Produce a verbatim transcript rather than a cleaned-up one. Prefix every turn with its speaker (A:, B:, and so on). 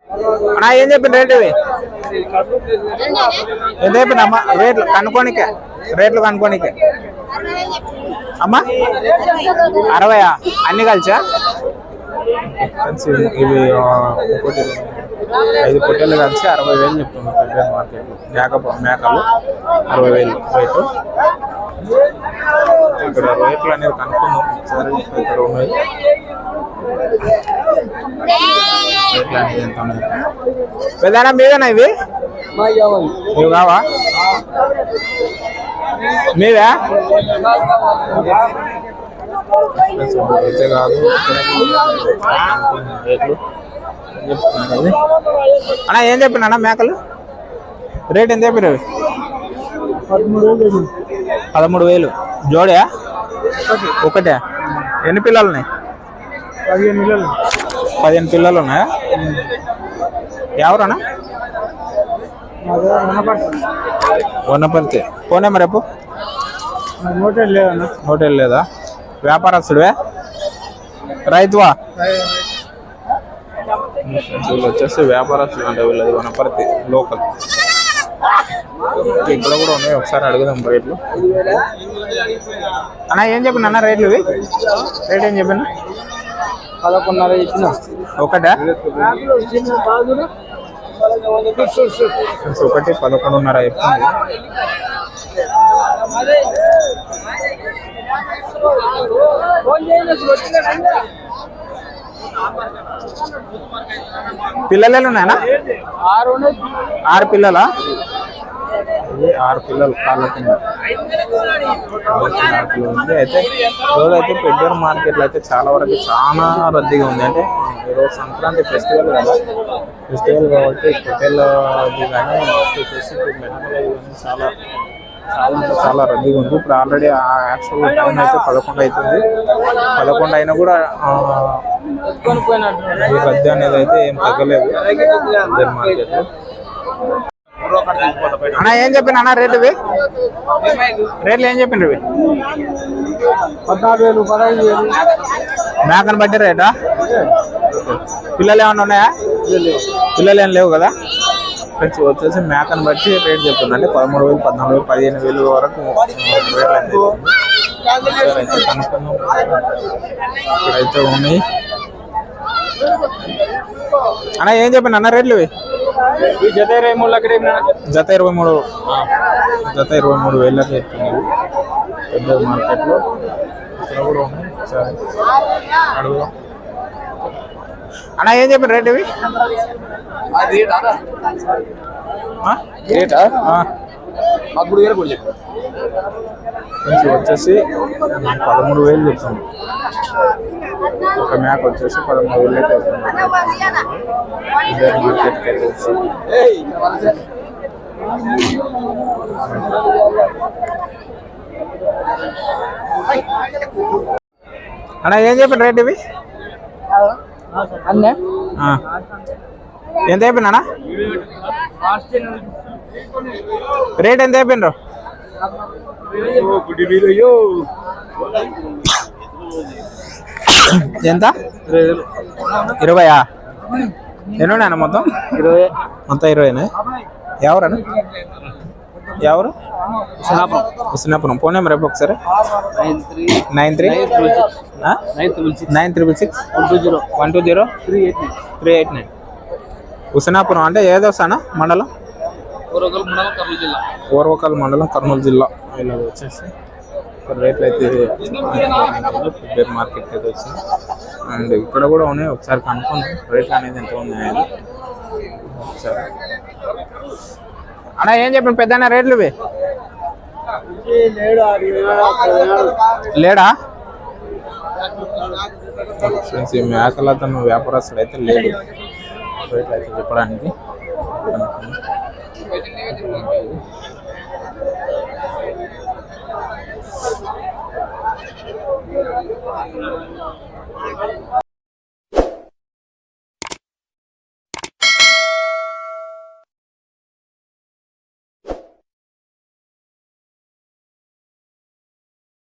A: అన్నా ఏం చెప్పిన రేట్ ఇవి ఎంత చెప్పిన అమ్మా రేట్లు కనుక్కోనికే రేట్లు కనుక్కోనికే అమ్మా అరవయా అన్ని కలిసా ఇవి ఒకటి ఐదు పొట్టేలు కలిసి అరవై వేలు చెప్తుంది పెద్ద మార్కెట్లో మేక మేకలు అరవై వేలు రేటు ఇక్కడ రేట్లు అనేది కనుక్కుందాం ఒకసారి ఇక్కడ ఉన్నాయి రేట్లు అనేది ఎంత ఉన్నాయి పెద్దనా మీవేనా ఇవి ఇవి కావా మీవే అయితే కాదు రేట్లు అన్నా ఏం చెప్పిన అన్న మేకలు రేట్ ఎంత చెప్పిన పదమూడు వేలు జోడా ఒకటే ఎన్ని పిల్లలు ఉన్నాయి
B: పదిహేను పిల్లలు
A: పదిహేను పిల్లలు ఉన్నాయా ఎవరన్నా వనపర్తి ఫోన్ నెంబర్ రేపు
B: హోటల్ లేదన్నా
A: హోటల్ లేదా వ్యాపారస్తుడివే రైతువా వీళ్ళు వచ్చేసి వ్యాపారస్తులు అంటే వీళ్ళది వనపర్తి లోకల్ ఇక్కడ కూడా ఉన్నాయి ఒకసారి అడుగుదాం రేట్లు అన్న ఏం చెప్పిన అన్న రేట్లు ఇవి రేట్ ఏం చెప్పిన
B: పదకొండున్నర ఇచ్చిన
A: ఒకటా ఒకటి పదకొండున్నర చెప్తుంది పిల్లలు ఉన్నాయనా
B: ఆరు
A: ఆరు పిల్లలా ఆరు పిల్లలు కాళ్ళ కింద ఉంది అయితే రోజు అయితే పెద్దూరు మార్కెట్లో అయితే చాలా వరకు చాలా రద్దీగా ఉంది అంటే ఈరోజు సంక్రాంతి ఫెస్టివల్ కదా ఫెస్టివల్ కాబట్టి హోటల్ కానీ వచ్చేసి చాలా చాలా అంటే చాలా రద్దీగా ఉంది ఇప్పుడు ఆల్రెడీ యాక్చువల్ టైం అయితే పదకొండు అవుతుంది పదకొండు అయినా కూడా ఈ రద్దీ అనేది అయితే ఏం తగ్గలేదు పెద్దూరు మార్కెట్లో అన్న ఏం చెప్పిన అన్న రేటు ఇవి రేట్లు ఏం చెప్పిన ఇవి
B: పద్నాలుగు వేలు పదహైదు వేలు
A: మేకను బట్టి రేటా పిల్లలు ఏమన్నా ఉన్నాయా పిల్లలు ఏం లేవు కదా ఫ్రెండ్స్ వచ్చేసి మేకను బట్టి రేట్ చెప్తుందండి పదమూడు వేలు పద్నాలుగు వేలు పదిహేను వేలు వరకు రేట్లు అయితే కనుక్కుందాం ఇక్కడైతే ఉన్నాయి అన్న ఏం చెప్పిన అన్న రేట్లు ఇవి
B: జత ఇరవై మూడు లక్షలు
A: జత ఇరవై మూడు జత ఇరవై మూడు వేలకి చెప్తుంది పెద్ద మార్కెట్లో ఇక్కడ కూడా ఉన్నాయి సరే అడుగుదాం అన్న ఏం చెప్పిన రేట్ ఇవి
B: రేటా పదమూడు వేలు కూడా
A: కొంచెం వచ్చేసి పదమూడు వేలు చెప్తుంది ఒక మేక వచ్చేసి పదమూడు వేలు చెప్తుంది మార్కెట్కి అయితే వచ్చి అన్న ఏం చెప్పిన రేట్ ఇవి
B: అన్నే
A: ఎంత అయిపోయినా రేట్ ఎంత అయిపోయినరు ఎంత ఇరవయా ఎన్ని ఉన్నాయన్న మొత్తం
B: ఇరవై
A: మొత్తం ఇరవైనా ఎవరన్నా ఎవరు హుస్నాపురం ఫోన్ నెంబర్ రేపు ఒకసారి nine three nine triple six
B: one two zero
A: one two zero
B: three eight nine
A: three eight nine Husnapuram అంటే ఏదో వస్తానా మండలం
B: ఓరవకల్ మండలం కర్నూలు జిల్లా
A: ఓర్వకల్ మండలం కర్నూలు జిల్లా ఇలా వచ్చేసి రేట్లు అయితే పెద్ద మార్కెట్కి అయితే వచ్చింది అండ్ ఇక్కడ కూడా ఉన్నాయి ఒకసారి కనుక్కుందాం రేట్లు అనేది ఎంత ఉన్నాయని ఒకసారి అన్న ఏం చెప్పండి పెద్ద రేట్లు ఇవి లేడా ఫ్రెండ్స్ ఈ మేకల తన వ్యాపారస్తుడు అయితే లేడు రేట్లు అయితే చెప్పడానికి